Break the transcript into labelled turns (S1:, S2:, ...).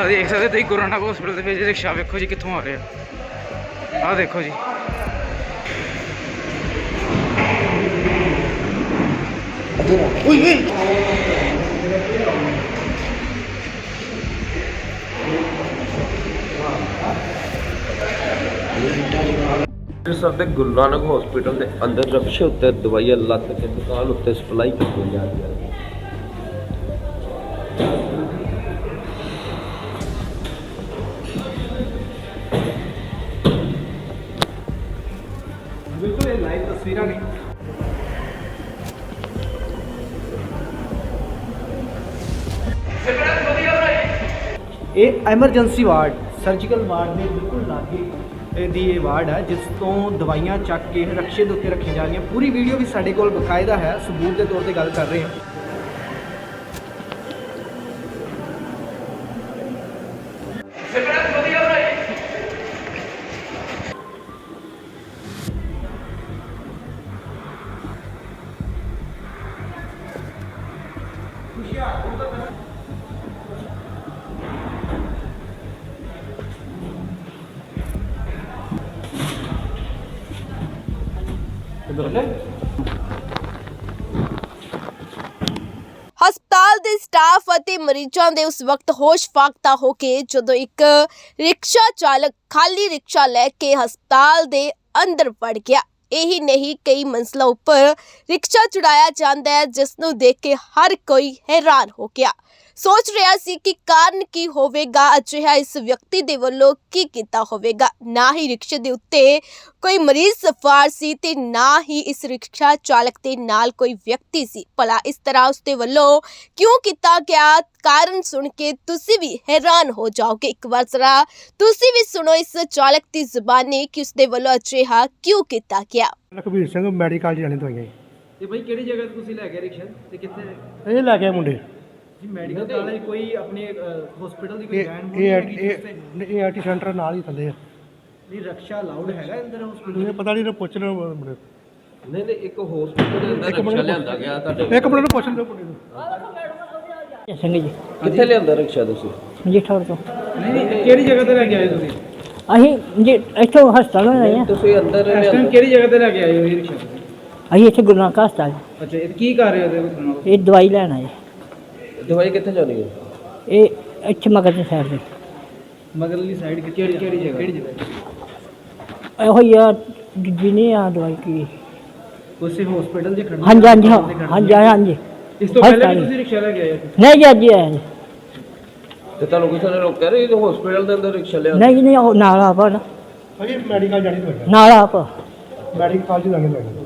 S1: ਆ ਦੇਖ ਸਕਦੇ ਤੁਸੀਂ ਗੁਰੂ ਨਾਨਕ ਹਸਪੀਟਲ ਦੇ ਵਿੱਚ ਰਿਕਸ਼ਾ ਵੇਖੋ ਜੀ ਕਿੱਥੋਂ ਆ ਰਿਹਾ। ਆਹ ਦੇਖੋ ਜੀ
S2: ਅੰਮ੍ਰਿਤਸਰ ਦੇ ਗੁਰੂ ਨਾਨਕ ਹਸਪੀਟਲ ਦੇ ਅੰਦਰ ਰਕਸ਼ੇ ਉੱਤੇ ਦਵਾਈਆਂ ਲੱਦ ਕੇ ਦੁਕਾਨ ਉੱਤੇ ਸਪਲਾਈ ਕੀਤੀ ਜਾ ਰਹੀ ਹੈ।
S1: ਬਿਲਕੁਲ ਇਹ ਲਾਈਵ ਤਸਵੀਰਾਂ ਨੇ। ਇਹ ਐਮਰਜੈਂਸੀ ਵਾਰਡ ਸਰਜੀਕਲ ਵਾਰਡ ਦੇ ਬਿਲਕੁਲ ਲਾਗੇ ਦੀ ਇਹ ਵਾਰਡ ਹੈ ਜਿਸ ਤੋਂ ਦਵਾਈਆਂ ਚੱਕ ਕੇ ਰਕਸ਼ੇ ਦੇ ਉੱਤੇ ਰੱਖੀਆਂ ਜਾ ਰਹੀਆਂ। ਪੂਰੀ ਵੀਡੀਓ ਵੀ ਸਾਡੇ ਕੋਲ ਬਕਾਇਦਾ ਹੈ, ਸਬੂਤ ਦੇ ਤੌਰ ਤੇ ਗੱਲ ਕਰ ਰਹੇ ਹਾਂ।
S3: ਹਸਪਤਾਲ ਦੇ ਸਟਾਫ ਅਤੇ ਮਰੀਜ਼ਾਂ ਦੇ ਉਸ ਵਕਤ ਹੋਸ਼ ਫਾਕਤਾ ਹੋ ਕੇ ਜਦੋਂ ਇੱਕ ਰਿਕਸ਼ਾ ਚਾਲਕ ਖਾਲੀ ਰਿਕਸ਼ਾ ਲੈ ਕੇ ਹਸਪਤਾਲ ਦੇ ਅੰਦਰ ਵੜ ਗਿਆ। ਇਹੀ ਨਹੀਂ ਕਈ ਮੰਜ਼ਲਾਂ ਉੱਪਰ ਰਿਕਸ਼ਾ ਚੜਾਇਆ ਜਾਂਦਾ ਹੈ ਜਿਸ ਨੂੰ ਦੇਖ ਕੇ ਹਰ ਕੋਈ ਹੈਰਾਨ ਹੋ ਗਿਆ। ਸੋਚ ਰਿਹਾ ਸੀ ਕਿ ਕਾਰਨ ਕੀ ਹੋਵੇਗਾ, ਅਜਿਹਾ ਇਸ ਵਿਅਕਤੀ ਦੇ ਵੱਲੋਂ ਕੀ ਕੀਤਾ ਹੋਵੇਗਾ। ਨਾ ਹੀ ਰਿਕਸ਼ੇ ਦੇ ਉੱਤੇ ਕੋਈ ਮਰੀਜ਼ ਸਵਾਰ ਸੀ ਤੇ ਨਾ ਹੀ ਇਸ ਰਿਕਸ਼ਾ ਚਾਲਕ ਦੇ ਨਾਲ ਕੋਈ ਵਿਅਕਤੀ ਸੀ। ਭਲਾ ਇਸ ਤਰ੍ਹਾਂ ਉਸ ਦੇ ਵੱਲੋਂ ਕਿਉਂ ਕੀਤਾ ਗਿਆ, ਕਾਰਨ ਸੁਣ ਕੇ ਤੁਸੀਂ ਵੀ ਹੈਰਾਨ ਹੋ ਜਾਓਗੇ। ਇੱਕ ਵਾਰ ਜ਼ਰਾ ਤੁਸੀਂ ਵੀ ਸੁਣੋ ਇਸ ਚਾਲਕ ਦੀ ਜ਼ੁਬਾਨੀ ਕਿ ਉਸ ਦੇ ਵੱਲੋਂ ਅਜਿਹਾ ਕਿਉਂ ਕੀਤਾ ਗਿਆ।
S4: ਲਖਬੀਰ ਸਿੰਘ ਮੈਡੀਕਲ ਜਾਣੇ ਦਵਾਈਆਂ
S1: ਤੇ ਭਾਈ ਕਿਹੜੀ ਜਗ੍ਹਾ ਤੇ ਤੁਸੀਂ ਲੈ ਗਏ ਰਿਕਸ਼ਾ ਤੇ ਕਿੱਥੇ
S4: ਇਹ ਲੈ ਕੇ ਮੁੰਡੇ
S1: ਜੀ? ਮੈਡੀਕਲ ਕਾਲਜ ਕੋਈ ਆਪਣੇ ਹਸਪੀਟਲ ਦੀ ਕੋਈ ਵੈਨ
S4: ਇਹ ਆਰਟੀ ਸੈਂਟਰ ਨਾਲ ਹੀ ਥੱਲੇ ਆ।
S1: ਨਹੀਂ ਰਕਸ਼ਾ ਅਲਾਉਡ ਹੈਗਾ ਅੰਦਰ ਹਸਪੀਟਲ?
S4: ਮੈਨੂੰ ਪਤਾ ਨਹੀਂ, ਪੁੱਛ ਲਓ ਮੁੰਡੇ।
S2: ਨਹੀਂ ਇੱਕ ਹਸਪੀਟਲ ਦੇ ਅੰਦਰ ਰਿਕਸ਼ਾ ਲਿਆਂਦਾ ਗਿਆ ਤੁਹਾਡੇ?
S4: ਇੱਕ ਮਿੰਟ ਨੂੰ ਪੁੱਛ ਲਓ ਮੁੰਡੇ ਨੂੰ।
S5: ਸਿੰਘ ਜੀ
S2: ਕਿੱਥੇ ਲਿਆਂਦਾ ਰਿਕਸ਼ਾ ਤੁਸੀਂ?
S5: ਜੀਠੌਰ ਤੋਂ।
S1: ਨਹੀਂ ਕਿਹੜੀ ਜਗ੍ਹਾ ਤੇ ਲੈ ਕੇ ਆਏ ਤੁਸੀਂ?
S5: ਅਸੀਂ ਜੀ ਇੱਥੋਂ ਹਸਪਤਾਲ ਆਏ ਹਾਂ।
S2: ਤੁਸੀਂ ਅੰਦਰ
S1: ਇਸ ਟਾਈਮ ਕਿਹੜੀ ਜਗ੍ਹਾ ਤੇ ਲੈ ਕੇ ਆਏ ਹੋ ਇਹ ਰਿਕਸ਼ਾ?
S5: ਅਸੀਂ ਇੱਥੇ ਗੁਰੂ ਨਾਨਕ ਹਸਪਤਾਲ
S1: ਅੱਛਾ ਇਹ ਕੀ ਕਰ ਰਹੇ ਹੋ ਉਹਦੇ?
S5: ਇਹ ਦਵਾਈ ਲੈਣ ਆਏ।
S2: ਦਵਾਈ ਕਿੱਥੇ ਜਾਣੀ ਹੈ?
S5: ਇਹ ਇੱਥੇ ਮਗਰ ਦੀ ਸਾਈਡ ਤੇ
S1: ਮਗਰਲੀ ਸਾਈਡ ਕਿਹੜੀ ਜਗ੍ਹਾ?
S5: ਇਹੋ ਹੀ ਆ ਜਿਹਨੇ ਆ ਦਵਾਈ ਕੀ।
S1: ਉਸੇ ਹਸਪੀਟਲ ਦੇ ਖੜਨਾ?
S5: ਹਾਂਜੀ ਹਾਂਜੀ ਹਾਂਜੀ ਹਾਂਜੀ।
S1: ਇਸ ਤੋਂ ਪਹਿਲੇ ਵੀ ਤੁਸੀਂ ਰਿਕਸ਼ਾ ਲੈ ਕੇ ਆਏ ਸੀ?
S5: ਨਹੀਂ ਜੀ ਅੱਜ ਹੀ ਆਏ ਜੀ।
S2: ਤੇ ਤੁਹਾਨੂੰ ਕਿਸੇ ਨੇ ਰੋਕਿਆ ਨਹੀਂ ਹਸਪੀਟਲ ਦੇ ਅੰਦਰ ਰਿਕਸ਼ਾ ਲਿਆ?
S5: ਨਹੀਂ ਨਹੀਂ ਉਹ ਨਾਲ ਆਪ ਨਾ
S4: ਅਜੀ ਮੈਡੀਕਲ ਜਾਣੀ ਦਵਾਈਆਂ
S5: ਨਾਲ ਆਪ
S4: ਮੈਡੀਕਲ ਕਾਲਜ ਜਾਣੇ ਦਵਾਈਆਂ।